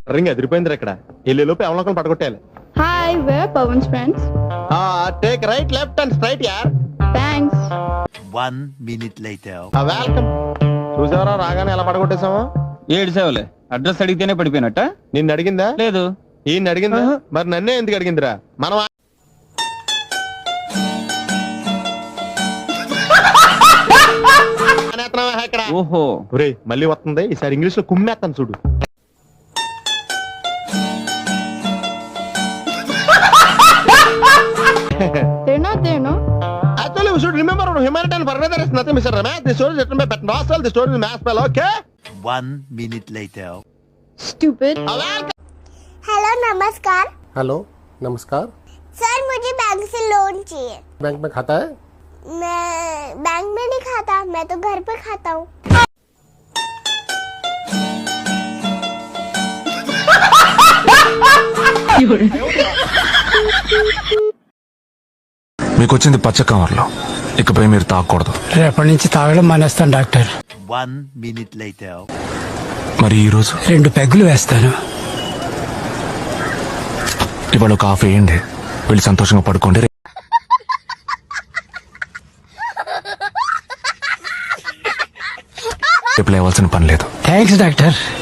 Ring ఎదిరిపోయింది ఇక్కడ. వెళ్ళే లోపు ఎవరినొకరు పడగొట్టాలి. Hi, we're Pawan's friends. Take right left and straight యార్. Thanks. 1 minute later. వెల్కమ్. చూసావరా రాగానే ఎలా పడగొట్టేసామో. 7 సేవలే. అడ్రస్ అడిగితేనే పడిపోయినట్ట. నిన్ను అడిగిందా? లేదు. ఈయన అడిగిందా? మరి నన్నే ఎందుకు అడిగిందిరా? మనం ఇక్కడ. ఓహో, మళ్ళీ వస్తుంది. ఈసారి ఇంగ్లీష్ లో కుమ్మేస్తాను చూడు. They're not there, no? Actually, we should remember humanitarian furniture is nothing, Mr. Ramesh. The story is written by Pat Nossel. The story is mass spell, okay? 1 minute later. Stupid. Hello नमस्कार। Hello नमस्कार। Sir मुझे bank से loan चाहिए। Bank में खाता है? मैं bank में नहीं खाता, मैं तो घर पे खाता हूँ। మీకు వచ్చింది పచ్చ కవర్లో, ఇకపై మీరు తాగకూడదు. రేపటి నుంచి తాగడం మానేస్తాను డాక్టర్. 1 minute later. మరి ఈ రోజు 2 పెగ్గులు వేస్తాను. ఇవాళ ఒక హాఫ్ వేయండి, వెళ్ళి సంతోషంగా పడుకోండి. రేపు లేవాల్సిన పని లేదు. Thanks doctor.